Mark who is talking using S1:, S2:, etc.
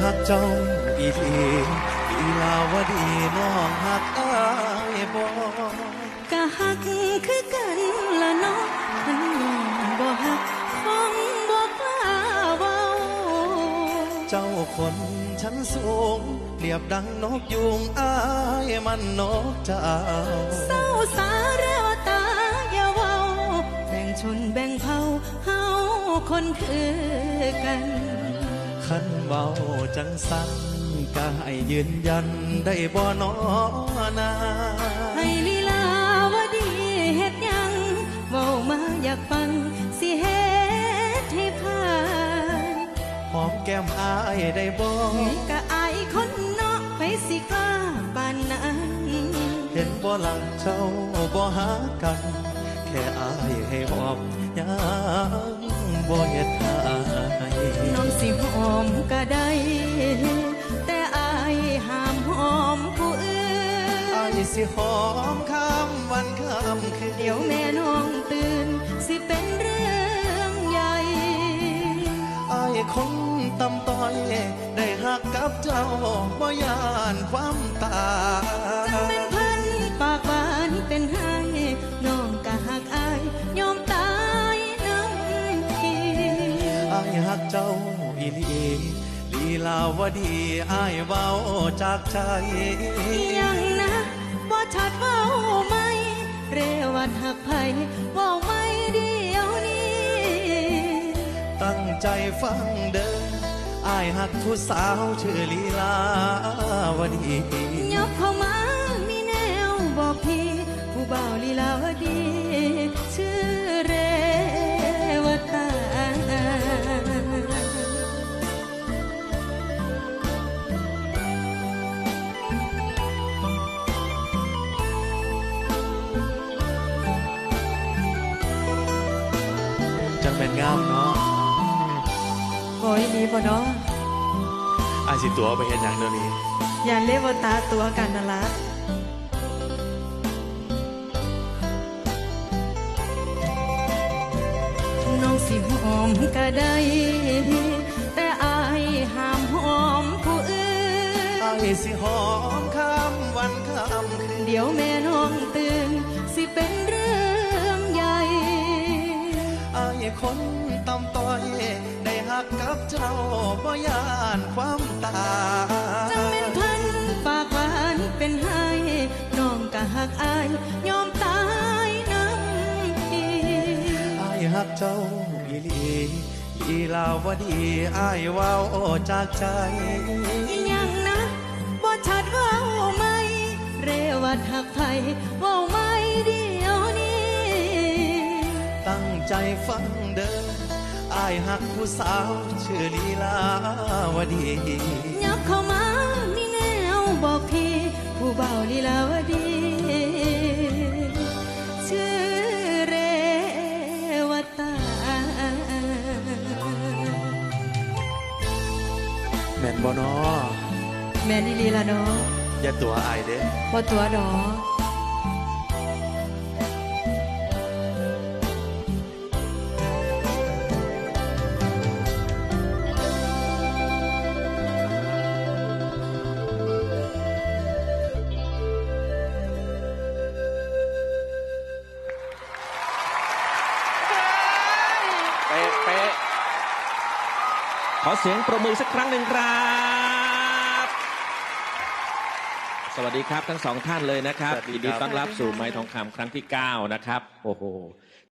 S1: หักเจ้าอีหลีลีลาวดีน้องหักอ้ายบ่
S2: กะหักคือกันละเนาะคันน้องบ่หักคงบ่กล้าเว้า
S1: เจ้าคนชั้นสูงเปรียบดังนกยุงอ้ายมันนกเจ้า
S2: เศร้าสาแรวตาอย่าเว้าแบ่งชนแบ่งเผ่าเฮาคนคือกัน
S1: คันเบาจังสันก็ให้ยืนยันได้บ่นอนา
S2: ให้ลีลาวดีเฮ็ดยังเว้ามาอยากฟังสิเฮ็ดให้ผ่าน
S1: หอมแก้มอายได้บ่
S2: ก็อายคนเนาะไปสิกล้าปานนั้น
S1: เห็นบ่หลังเจ้าบ่หากันแค่อายให้หอมยังบ่เฮ็ดให้
S2: น้องสิหอมก็ได้แต่อายห้ามหอมผู้อื่น
S1: อายสิหอมค่ำวันค่ำคืน
S2: เดี๋ยวแม่น้องตื่นสิเป็นเรื่องใหญ่
S1: อายคนตำต้อยได้หักกับเจ้าบ่ยานความตาย
S2: จังเป็นเพิ่นปากหวานเป็นให้น้องก็หักอายยอมตายน้ำที
S1: อายหักเจ้าอีหลีลีลาวดีอายเว้าจากใจ
S2: ยังนะบ่ชัดเว้าไหมเรวัดหักไผเว้าไม่เดียวนี้
S1: ตั้งใจฟังเด้ออายหักผู้สาวชื่อลีลาวดี
S2: ยกเข้ามามีแนวบอกพี่ผู้บ่าวลีลาวดีชื่อเรวตา
S1: จังเป็นงามเนาะ
S2: โอ้ยดีบ่เนาะ
S1: อาสิตัวไปเห็นอย่างเดี๋ยวนี้
S2: อย่าเรียกว่าตาตัวกันนะละน้องสิหอมก็ได้แต่อายห้ามหอมผู้อื่น
S1: อายสิหอมค่ำวันค่ำคืน
S2: เดี๋ยวแม่น้องตื่นสิเป็นเรื่องใหญ่
S1: อายคนตำต้อยได้หักกับเจ้าบ่ยานความตาย
S2: จังเป็นเพิ่นปากหวานเป็นให้น้องก็หักอายยอมตายน้ำที
S1: อายหักเจ้าอีหลีลีลาวดีอายเว้าจากใจ
S2: ยังนะบ่ชัดเว้าไหมเรวัดหักไผเว้าไม่เดียวนี้
S1: ตั้งใจฟังเด้ออายหักผู้สาวชื่อลีลาวดี
S2: ยับเข้ามามีแนวบอกพี่ผู้บ่าวลีลาวดีชื่อเรวตา
S1: แม่นบ่น้อ
S2: แม่นอีหลีละน้อ
S1: อย่าตัวอายเด้
S2: บ่ตัวดอ
S3: ขอเสียงประมือสักครั้งหนึ่งครับ สวัสดีครับทั้งสองท่านเลยนะครับยินดีต้อนรับสู่ไม้ทองคำครั้งที่9นะครับโอ้โห